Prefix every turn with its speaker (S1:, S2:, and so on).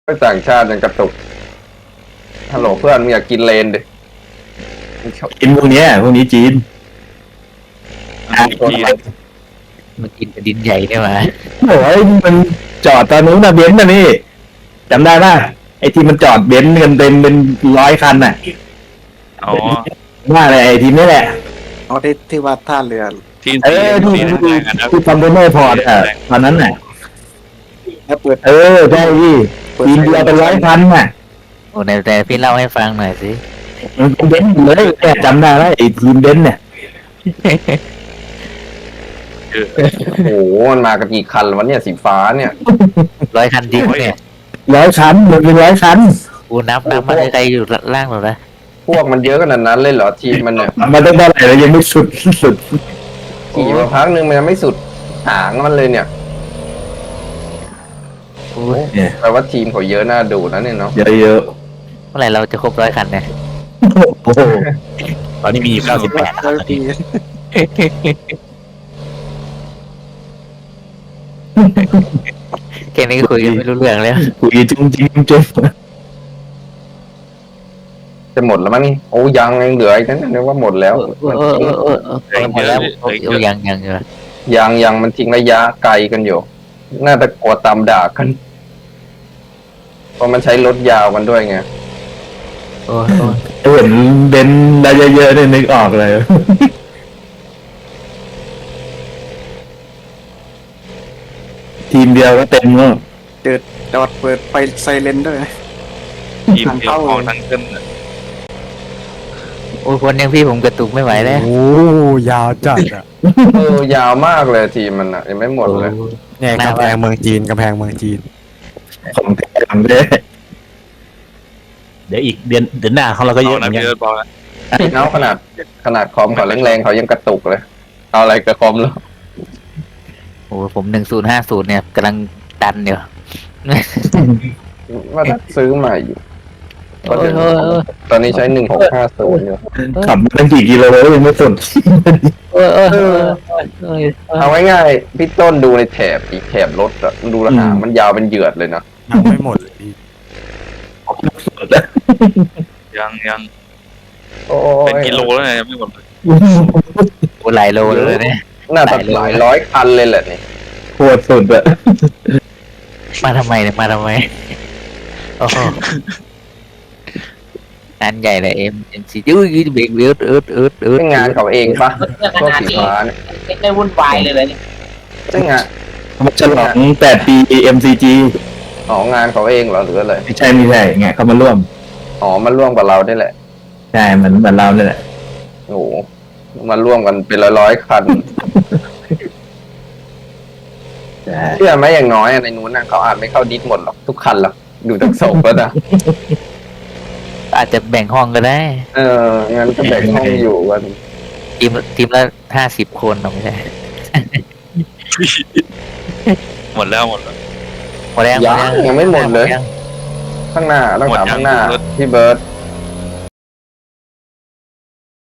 S1: ไม่ต่างชาติยังกระตุกฮัลโหลเพื่อนมึงอยากกินเลนดิ
S2: กินพวกเนี้ยพวกนี้จีน
S1: จีน
S3: มันกินแผ่นดินใหญ่เนี่ยมา
S2: โอ้ยมันจอดตอนนู้นนะเบนซ์นะนี่จำได้ป่ะไอ้ที่มันจอดเบนซ์กันเต็มเป็น100 คันน่ะ
S4: อ๋อ
S2: ว่าอะไรไอ้ทีมนี่แหละ
S5: เอาที่ว่าท่าเรือ
S4: ที่
S2: เออที่
S4: ที่
S2: ที่
S4: แรงกันนะ
S2: ที่คอนเทนเนอร์พอร์ตอ่ะตอนนั้นน่ะ
S5: แล้วเปิด
S2: เออใช่พี่ทีมเดียวเป็น100 คันน่ะ
S3: โอ้แต่พี่เล่าให้ฟังหน่อยสิ
S2: มันเป็นเบนซ์เลยแกจำได้แล้วไอ้ทีมเบนซ์เนี่ย
S1: โอ้โหมันมากันกี่คันวะเนี่ยสีฟ้าเนี่ย
S3: 100 คันจริงเนี่ย
S2: 100 คันมันเป็น100 คัน
S3: กูนับมาใครอยู่ล่างหรอนะ
S1: พวกมันเยอะขนาดนั้นเลยเหรอทีมมันเนี่ย
S2: มันต้องเท่าไหร่แล้วยังไม่สุด
S1: ขี่มาพักนึงมันยังไม่สุดหางมันเลยเนี่ย
S2: เนี่ย
S1: แปลว่าทีมเขาเยอะน่าดูนะเนี่ยเนาะ
S2: เยอะ
S3: เมื่อไหร่เราจะครบ100 คันเนี่ย
S2: ๆโอ้โห
S6: ตอนนี้มีอยู่98
S5: แล้วปี
S3: แค่นี้ก็คุยกันไม่รู้เรื่องแล้ว
S2: คุยจริงจริงจริง
S1: จะหมดแล้วมั้งนี่โอ้ยังเหลืออีกนั่นนึกว่าหมดแล้ว
S3: หมดแล้วยังอยู่
S1: ยังมันทิ้งระยะไกลกันอยู่ น่าจะกลัวตามด่ากันเพราะมันใช้รถยาวมันด้วยไง
S3: โอ้
S2: เห็นเบนซ์ได้เยอะๆเนี่ยนึกออกเลย ทีมเดียวก็เต็มแล้ว
S5: จอดเปิดไฟไซเรนด้วย
S4: ทีมเดียวของทั้งขึ้นน่ะ
S3: โอ้คนยังพี่ผมกระตุกไม่ไหวแล้ว
S6: โอ้ยาวจัดอ่ะ
S1: ยาวมากเลยทีมมันอะยังไม่หมดเลย
S6: เนี่ยกำแพงเมืองจีนกำแพงเมืองจีน
S2: ของแท้ของแท้
S6: เดี๋ยวอีกเดือนหน้าของเราก็เย
S4: เอา
S6: อะเหมื
S4: นะ
S6: อนกั
S4: พี่
S6: น
S4: เอิร์ธบอกนะ
S1: เนาะขนาดคอมเขาแรงๆเขายังกระตุกเลย เอาอะไรกับคอมแล้ว
S3: โอ้ผม1050เนี่ยกำลังดันอยู่
S1: ว่าถ้าซื้อใหม่อยู่ตอนนี้ใช้1650อยู่
S2: ขับมาตั้งกี่กิโลแล้วยังไม่สน
S1: เอาง่ายๆพี่ต้นดูในแถบรถอะดูหางมันยาวเป็นเหยือดเลยนะ
S6: ยังไม่หมดเลยพี่
S4: ยัง
S1: โอ้
S4: เป็น
S1: ย
S4: กิโลแล้วเนี่ยยังไม่หมดเลย
S3: โอ้หลายโลเลยเนี่ย
S1: น่าจะหลายร้อยคันเลยแหละนี่
S2: โคตรสุดอะ
S3: มาทำไมเนี่ยมาทำไมโอ้งานใหญ่เลยMC ยืดเบรก
S1: เป็นงานเขาเองปะพวกสีฟ้าเนี่ย
S7: ไม่ได้วุ่นวายเลยเนี่ย
S1: ใช่งาน
S2: มันฉลอง8 ปี MCG
S1: อ๋องานเขาเองเหรอหรืออะไร
S2: ไม่ใช่ไงเขามาร่วม
S1: อ๋อมันร่วมกับเราได้แหละ
S2: ใช่เหมือนเราเนี่ยแหละ
S1: โอ้โหมาร่วมกันเป็นร้อยๆคัน
S2: ใช่
S1: เชื่อไหมอย่างน้อยอะในนู้นนะเขาอาจไม่เข้าดิสหมดหรอกทุกคันหรอกดูจากศพแล้วนะ
S3: อาจจะแบ่งห้องก็ได้
S1: งั้นก็แบ่งห้องอยู่กัน
S3: ทีมละ50 คนเอาไม่ใช่
S4: หมดแล้ว
S3: หมดแล้ว
S1: ยังไม่หมดเลย ข้างหน้าต้องถามข้างหน้าพี่เบิร์ต